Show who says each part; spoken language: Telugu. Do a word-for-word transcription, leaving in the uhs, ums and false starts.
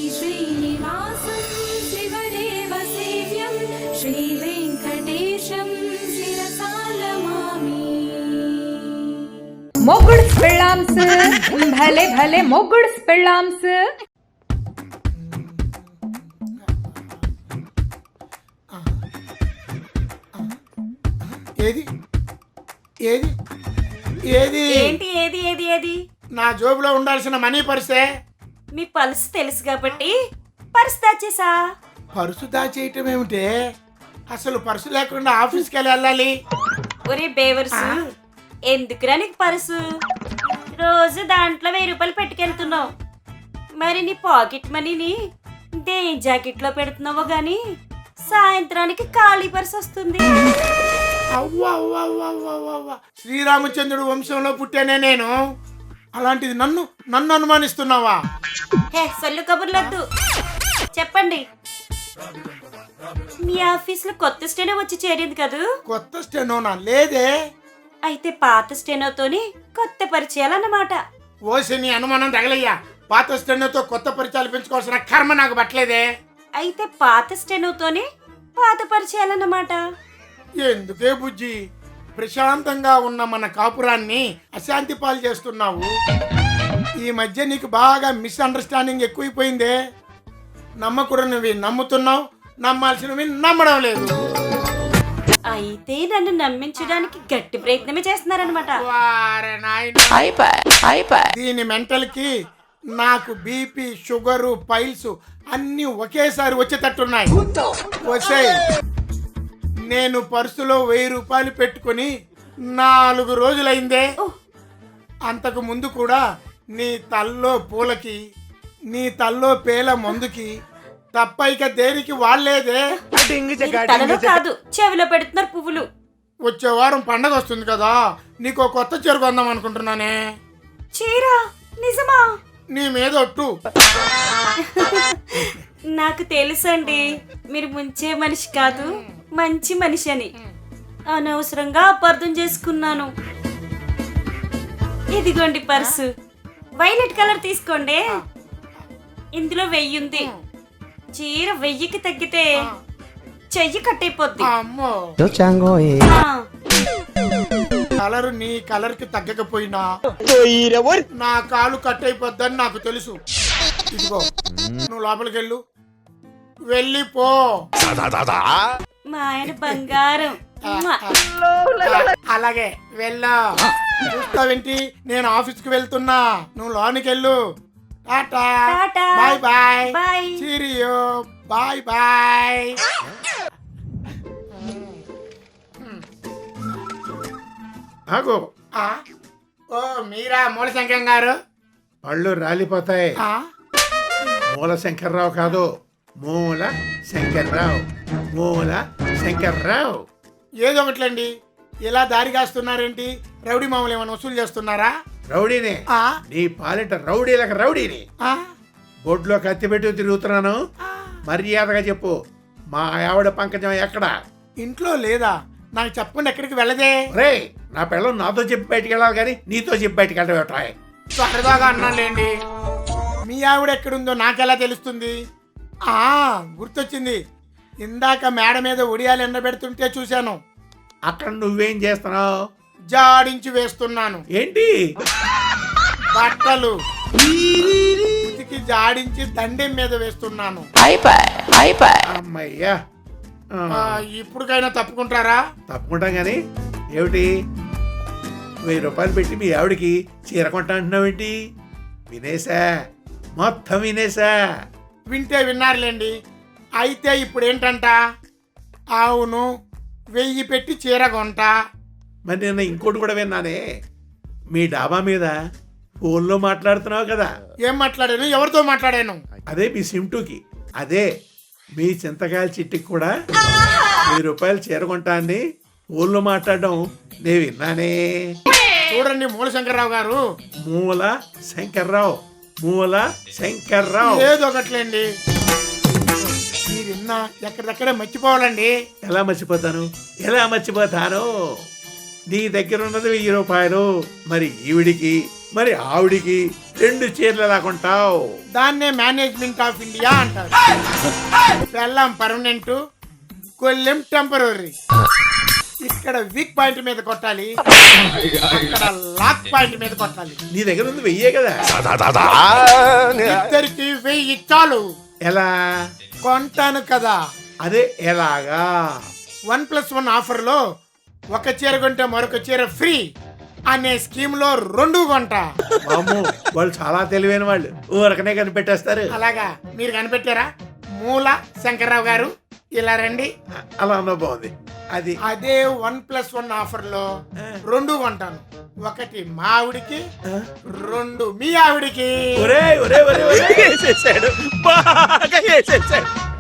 Speaker 1: శ్రీనివాసం శివదేవ సేవ్యం శ్రీ వెంకటేశం శిరసాలమామి.
Speaker 2: మొగుడ్స్ పెళ్ళాంస్ భలే భలే మొగుడ్స్ పెళ్ళాంస్.
Speaker 3: ఏది ఏది ఏది
Speaker 4: ఏంటి ఏది ఏది ఏది
Speaker 3: నా జోబులో ఉండాల్సిన మనీ పర్సే.
Speaker 4: మీ పల్స్ తెలుసు కాబట్టి పర్స్ దాచేసా.
Speaker 3: పర్సు దాచేయటం ఏమిటే? అసలు పర్సు లేకుండా ఆఫీస్కి వెళ్ళి వెళ్ళాలి.
Speaker 4: ఒరే బేవర్సు, ఎందుకురా నీకు పర్సు? రోజు దాంట్లో వెయ్యి రూపాయలు పెట్టుకెళ్తున్నావు. మరి నీ పాకెట్ మనీని దే జాకెట్ లో పెడుతున్నావో గాని సాయంత్రానికి ఖాళీ పర్స్ వస్తుంది.
Speaker 3: అవ్వా అవ్వా అవ్వా అవ్వా అవ్వా అవ్వా. శ్రీరామచంద్రుడు వంశంలో పుట్టానే నేను, అలాంటిది నన్ను నన్ను అనుమానిస్తున్నావా?
Speaker 4: హే సొల్లు కబుర్లొద్దు, చెప్పండి. మీ ఆఫీస్ లో కొత్త స్టెనో వచ్చి చేరింది కదూ?
Speaker 3: కొత్త స్టెనోనా? లేదే.
Speaker 4: అయితే పాత స్టెనోతోని కొత్త పరిచయాలన్నమాట.
Speaker 3: ఓసి నీ అనుమానం తగలయ్యా. పాత స్టెనోతో కొత్త పరిచయాలు పెంచుకోవాల్సిన కర్మ నాకు పట్టలేదే.
Speaker 4: అయితే పాత స్టెనోతోని పాత పరిచయాలన్నమాట.
Speaker 3: ఎందుకే బుజ్జి, ప్రశాంతంగా ఉన్న మన కాపురాన్ని అశాంతి పాలు చేస్తున్నావు? ఈ మధ్య నీకు బాగా మిస్అండర్స్టాండింగ్ ఎక్కువైపోయిందే. నమ్మకూడనివి నమ్ముతున్నావు, నమ్మాల్సినవి నమ్మడం లేదు.
Speaker 4: అయితే నన్ను నమ్మించడానికి గట్టి ప్రయత్నమే చేస్తున్నారనమాట.
Speaker 3: వారే నాయనా, దీని మెంటల్ కి నాకు బీపీ, షుగరు, పైల్స్ అన్ని ఒకేసారి వచ్చేటట్టున్నాయి. వచ్చే నేను పర్సులో వెయ్యి రూపాయలు పెట్టుకుని నాలుగు రోజులైందే. అంతకు ముందు కూడా నీ తల్లో పూలకి, నీ తల్లో పేల మందుకి తప్ప ఇక దేనికి వాళ్ళేదే.
Speaker 4: తలలో కాదు, చెవిలో పెడుతున్నారు పువ్వులు.
Speaker 3: వచ్చే వారం పండగ వస్తుంది కదా, నీకు కొత్త చీర కొందాం అనుకుంటున్నానే.
Speaker 4: చీర? నిజమా?
Speaker 3: నీ మీద ఒట్టు.
Speaker 4: నాకు తెలుసండి, మీరు ముంచే మనిషి కాదు, మంచి మనిషి అని. అనవసరంగా అపార్థం చేసుకున్నాను. ఇదిగోండి పర్సు, వైలెట్ కలర్ తీసుకోండి. ఇందులో వెయ్యి ఉంది. చీర వెయ్యికి తగ్గితే చెయ్యి కట్టయిపోద్ది.
Speaker 3: అమ్మో, కలర్ నీ కలర్ కి తగ్గకపోయినా నా కాలు కట్ అయిపోద్దని నాకు తెలుసు. ఇదిగో, నువ్వు లోపలికి వెళ్ళు, వెళ్ళిపో.
Speaker 4: మా ఆయన బంగారం.
Speaker 3: అలాగే వెళ్ళా. చూస్తావేంటి, నేను ఆఫీస్ కి వెళ్తున్నా, నువ్వు లోనికి వెళ్ళు. Tata,
Speaker 4: tata.
Speaker 3: Bye bye,
Speaker 4: bye.
Speaker 3: Cheerio, bye bye.
Speaker 5: ఆగో.
Speaker 3: ఆ? ఓ మీరా మూలశంకరం గారు?
Speaker 5: పళ్ళు రాలిపోతాయి.
Speaker 3: ఆ?
Speaker 5: మూల శంకర్రావు కాదు, మూల శంకర్రావు. మూల శంకర్రావు.
Speaker 3: ఏదో ఒకట్లండి, ఇలా దారి కాస్తున్నారేంటి? రౌడీ మామూలు ఏమైనా వసూలు చేస్తున్నారా?
Speaker 5: రౌడీనే.
Speaker 3: ఆ?
Speaker 5: నీ పాలిట రౌడీలకు రౌడీని.
Speaker 3: ఆ?
Speaker 5: బొడ్లో కత్తి పెట్టి తిరుగుతున్నాను, మర్యాదగా చెప్పు. మా ఆవిడ పంకజం ఎక్కడ?
Speaker 3: ఇంట్లో లేదా? నాకు చెప్పకుండా ఎక్కడికి వెళ్ళదే.
Speaker 5: రే, నా పిల్లలు నాతో చెప్పి బయటికి వెళ్ళాలి కానీ నీతో చెప్పి బయటికి వెళ్ళటం.
Speaker 3: సరదాగా అన్నాలేండి. మీ ఆవిడ ఎక్కడుందో నాకెలా తెలుస్తుంది? ఆ గుర్తొచ్చింది, ఇందాక మేడ మీద ఒడియాలు ఎండబెడుతుంటే చూశాను.
Speaker 5: అక్కడ నువ్వేం చేస్తున్నావు?
Speaker 3: జాడించి వేస్తున్నాను.
Speaker 5: ఏంటి?
Speaker 3: బట్టలు ఉతికి జాడించి దండెం మీద వేస్తున్నాను.
Speaker 5: అమ్మయ్యా,
Speaker 3: ఆ, ఇప్పుడుకైనా తప్పుకుంటారా?
Speaker 5: తప్పుకుంటాం కానీ ఏమిటి? వెయ్యి రూపాయలు పెట్టి మీ ఆవిడకి చీర కొంటా అంటున్నావేంటి? వినేసా, మొత్తం వినేసా.
Speaker 3: వింటే విన్నారులేండి. అయితే ఇప్పుడు ఏంటంట? అవును, వెయ్యి పెట్టి చీర కొంట.
Speaker 5: మరి నిన్న ఇంకోటి కూడా విన్నానే, మీ డాబా మీద ఫోన్లో మాట్లాడుతున్నావు కదా.
Speaker 3: ఏం మాట్లాడాను? ఎవరితో మాట్లాడాను?
Speaker 5: అదే మీ సిమ్టూకి, అదే మీ చింతకాయల చిట్టికి కూడా వెయ్యి రూపాయలు చీర కొంటా అండి ఫోన్లో మాట్లాడడం నే విన్నానే.
Speaker 3: చూడండి మూలశంకర్రావు గారు.
Speaker 5: మూల శంకర్రావు, మూల శంకర్రావు.
Speaker 3: ఏదో ఒకట్లేండి, మీరు విన్నా ఎక్కడిదక్కడే మర్చిపోవాలండి.
Speaker 5: ఎలా మర్చిపోతాను, ఎలా మర్చిపోతాను? నీ దగ్గర ఉన్నది వెయ్యి రూపాయలు, మరి ఈవిడికి మరి ఆవిడికి రెండు చీరలు ఎలా కొంటావు?
Speaker 3: దాన్నే మేనేజ్మెంట్ ఆఫ్ ఇండియా అంటారు. పెళ్ళాం పర్మనెంట్, కొల్లెం టెంపరీ. ఇక్కడ వీక్ పాయింట్ మీద కొట్టాలి, అక్కడ లాక్ పాయింట్ మీద కొట్టాలి.
Speaker 5: నీ దగ్గర ఉంది వెయ్యే కదా.
Speaker 3: ఇద్దరికి వెయ్యి చాలు.
Speaker 5: ఎలా?
Speaker 3: కొంటాను కదా.
Speaker 5: అదే ఎలాగా?
Speaker 3: వన్ ప్లస్ వన్ ఆఫర్ లో ఒక చీర కొంటే మరొక చీర ఫ్రీ అనే స్కీమ్ లో రెండు కొంటా.
Speaker 5: వామ్మో, వాళ్ళు చాలా తెలివైన వాళ్ళు, ఊరకనే కనిపెట్టేస్తారు.
Speaker 3: అలాగా మీరు కనిపెట్టారా? మూల శంకర్రావు గారు ఇలా రండి.
Speaker 5: అలా అన్న బాగుంది. అది
Speaker 3: అదే వన్ ప్లస్ వన్ ఆఫర్ లో రెండు కొంటాను. ఒకటి మా ఆవిడికి, రెండు మీ ఆవిడికి.
Speaker 5: ఒరే ఒరే ఒరే ఒరే వేసేసాడు, బాగా వేసేసాడు.